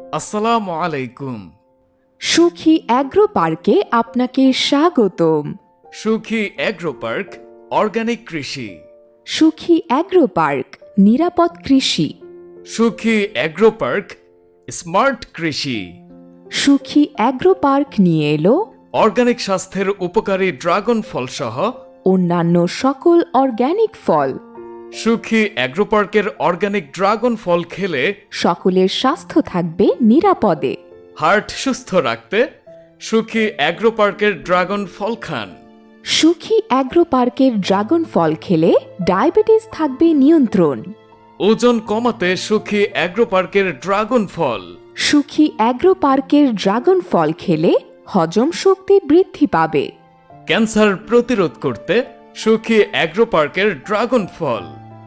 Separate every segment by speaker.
Speaker 1: আসসালামু আলাইকুম।
Speaker 2: সুখী অ্যাগ্রো পার্কে আপনাকে স্বাগতম।
Speaker 1: সুখী অ্যাগ্রো পার্ক, অর্গানিক কৃষি।
Speaker 2: সুখী অ্যাগ্রো পার্ক, নিরাপদ কৃষি।
Speaker 1: সুখী অ্যাগ্রো পার্ক, স্মার্ট কৃষি।
Speaker 2: সুখী অ্যাগ্রো পার্ক নিয়ে এলো
Speaker 1: অর্গানিক স্বাস্থ্যের উপকারী ড্রাগন ফল সহ
Speaker 2: অন্যান্য সকল অর্গ্যানিক ফল।
Speaker 1: সুখী অ্যাগ্রো পার্কের অর্গানিক ড্রাগন ফল খেলে
Speaker 2: সকলের স্বাস্থ্য থাকবে নিরাপদে।
Speaker 1: হার্ট সুস্থ রাখতে সুখী অ্যাগ্রো পার্কের ড্রাগন ফল খান।
Speaker 2: সুখী অ্যাগ্রো পার্কের ড্রাগন ফল খেলে ডায়াবেটিস থাকবে নিয়ন্ত্রণ।
Speaker 1: ওজন কমাতে সুখী অ্যাগ্রো পার্কের ড্রাগন ফল।
Speaker 2: সুখী অ্যাগ্রো পার্কের ড্রাগন ফল খেলে হজম শক্তি বৃদ্ধি পাবে।
Speaker 1: ক্যান্সার প্রতিরোধ করতে সুখী অ্যাগ্রো পার্কের ড্রাগন ফল।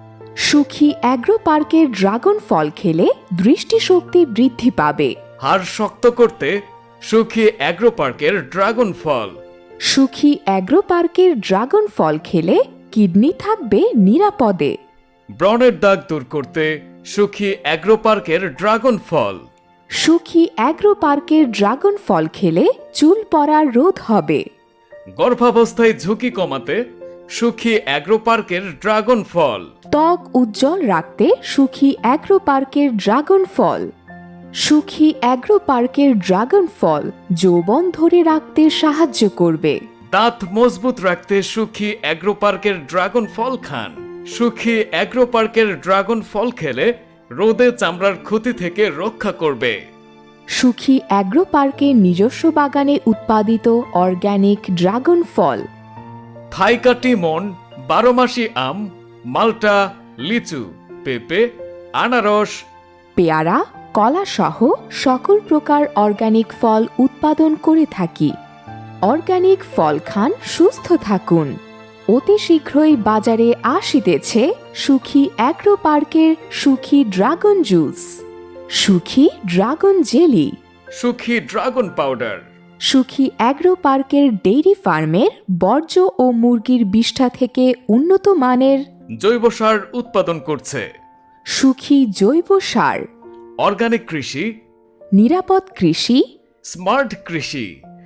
Speaker 2: সুখী অ্যাগ্রো পার্কের ড্রাগন ফল খেলে দৃষ্টিশক্তি বৃদ্ধি পাবে।
Speaker 1: হাড় শক্ত করতে সুখী অ্যাগ্রো পার্কের ড্রাগন ফল।
Speaker 2: সুখী অ্যাগ্রো পার্কের ড্রাগন ফল খেলে কিডনি থাকবে নিরাপদে।
Speaker 1: ব্রণের দাগ দূর করতে সুখী অ্যাগ্রো পার্কের ড্রাগন ফল।
Speaker 2: সুখী অ্যাগ্রো পার্কের ড্রাগন ফল খেলে চুল পড়া রোধ হবে।
Speaker 1: গর্ভাবস্থায় ঝুঁকি কমাতে সুখী অ্যাগ্রো পার্কের ড্রাগন ফল।
Speaker 2: ত্বক উজ্জ্বল রাখতে সুখী অ্যাগ্রো পার্কের ড্রাগন ফল। সুখী অ্যাগ্রো পার্কের ড্রাগন ফল যৌবন ধরে রাখতে সাহায্য করবে।
Speaker 1: দাঁত মজবুত রাখতে সুখী অ্যাগ্রো পার্কের ড্রাগন ফল খান। সুখী অ্যাগ্রো পার্কের ড্রাগন ফল খেলে রোদে চামড়ার ক্ষতি থেকে রক্ষা করবে।
Speaker 2: সুখী অ্যাগ্রো পার্কের নিজস্ব বাগানে উৎপাদিত অর্গ্যানিক ড্রাগন ফল।
Speaker 1: থাইকাটি মন, 12 মাসি আম, মাল্টা, লিচু, পেঁপে, আনারস,
Speaker 2: পেয়ারা, কলা সহ সকল প্রকার অর্গ্যানিক ফল উৎপাদন করে থাকি। অর্গ্যানিক ফল খান, সুস্থ থাকুন। অতি শীঘ্রই বাজারে আসিতেছে সুখী অ্যাগ্রো পার্কের Sukhi dragon juice, Sukhi dragon jelly,
Speaker 1: Sukhi dragon powder.
Speaker 2: Sukhi agro পার্কের ডেইরি ফার্মের বর্জ্য ও মুরগির বিষ্ঠা থেকে উন্নত মানের
Speaker 1: জৈব সার উৎপাদন করছে।
Speaker 2: সুখী জৈব সার।
Speaker 1: অর্গানিক কৃষি,
Speaker 2: নিরাপদ কৃষি,
Speaker 1: স্মার্ট কৃষি।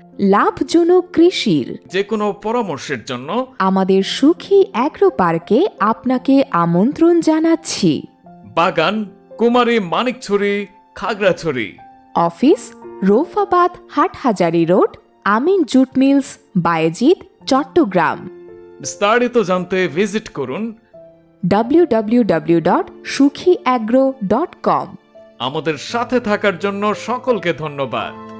Speaker 2: লাভজনক কৃষির
Speaker 1: যে কোনো পরামর্শের জন্য
Speaker 2: আমাদের সুখী অ্যাগ্রো পার্কে আপনাকে আমন্ত্রণ জানাচ্ছি।
Speaker 1: বাগান, Kumari Manikchhari, Khagrachhari.
Speaker 2: Office, Raufabad Hathazari road, Amin jute mills, Bayezid, Chattogram.
Speaker 1: বিস্তারিত জানতে ভিজিট করুন
Speaker 2: www.sukhiagro.com।
Speaker 1: আমাদের সাথে থাকার জন্য সকলকে ধন্যবাদ।